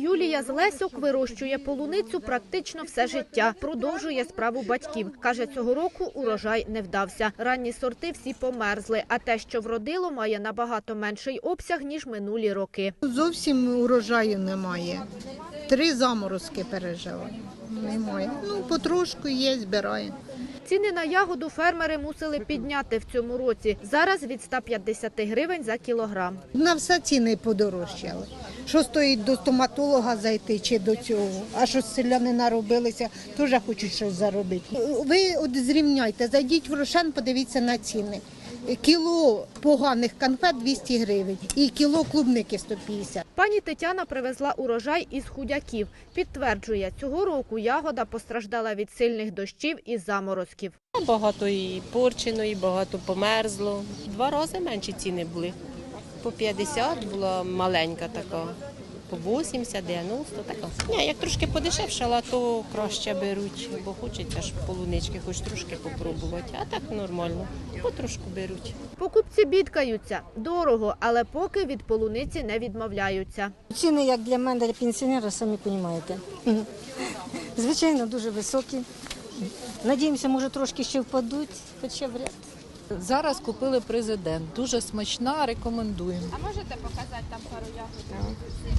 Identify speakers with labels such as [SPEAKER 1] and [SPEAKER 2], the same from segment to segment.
[SPEAKER 1] Юлія з Лесьок вирощує полуницю практично все життя. Продовжує справу батьків. Каже, цього року урожай не вдався. Ранні сорти всі померзли, а те, що вродило, має набагато менший обсяг, ніж минулі роки.
[SPEAKER 2] Зовсім урожаю немає. 3 заморозки пережили. Немає. Потрошку є, збираємо.
[SPEAKER 1] Ціни на ягоду фермери мусили підняти в цьому році. Зараз від 150 гривень за кілограм.
[SPEAKER 2] На все ціни подорожчали. Що стоїть до стоматолога зайти чи до цього? А що селяни наробилися, теж хочуть щось заробити. Ви зрівняйте, зайдіть в Рошен, подивіться на ціни. Кіло поганих конфет 200 гривень і кіло клубники 150.
[SPEAKER 1] Пані Тетяна привезла урожай із Худяків. Підтверджує, цього року ягода постраждала від сильних дощів і заморозків.
[SPEAKER 3] Багато і порчено, і багато померзло. 2 рази менші ціни були. По 50 була маленька така, по 80, 90 така. Ні, як трошки подешевшала, то краще беруть, бо хочеться ж полунички хоч трошки попробувати. А так нормально, потрошку беруть.
[SPEAKER 1] Покупці бідкаються. Дорого, але поки від полуниці не відмовляються.
[SPEAKER 4] Ціни, як для мене, для пенсіонера, самі розумієте. Звичайно, дуже високі. Надіємося, може трошки ще впадуть, хоча вряд.
[SPEAKER 5] Зараз купили президент. Дуже смачна, рекомендуємо.
[SPEAKER 1] А можете показати там пару ягод?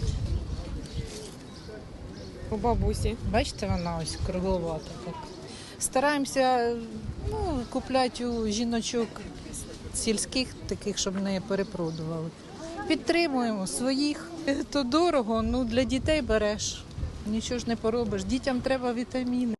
[SPEAKER 6] У бабусі.
[SPEAKER 5] Бачите, вона ось кругловата. Так. Стараємося купляти у жіночок сільських, таких, щоб не перепродували. Підтримуємо своїх. То дорого, для дітей береш. Нічого ж не поробиш. Дітям треба вітаміни.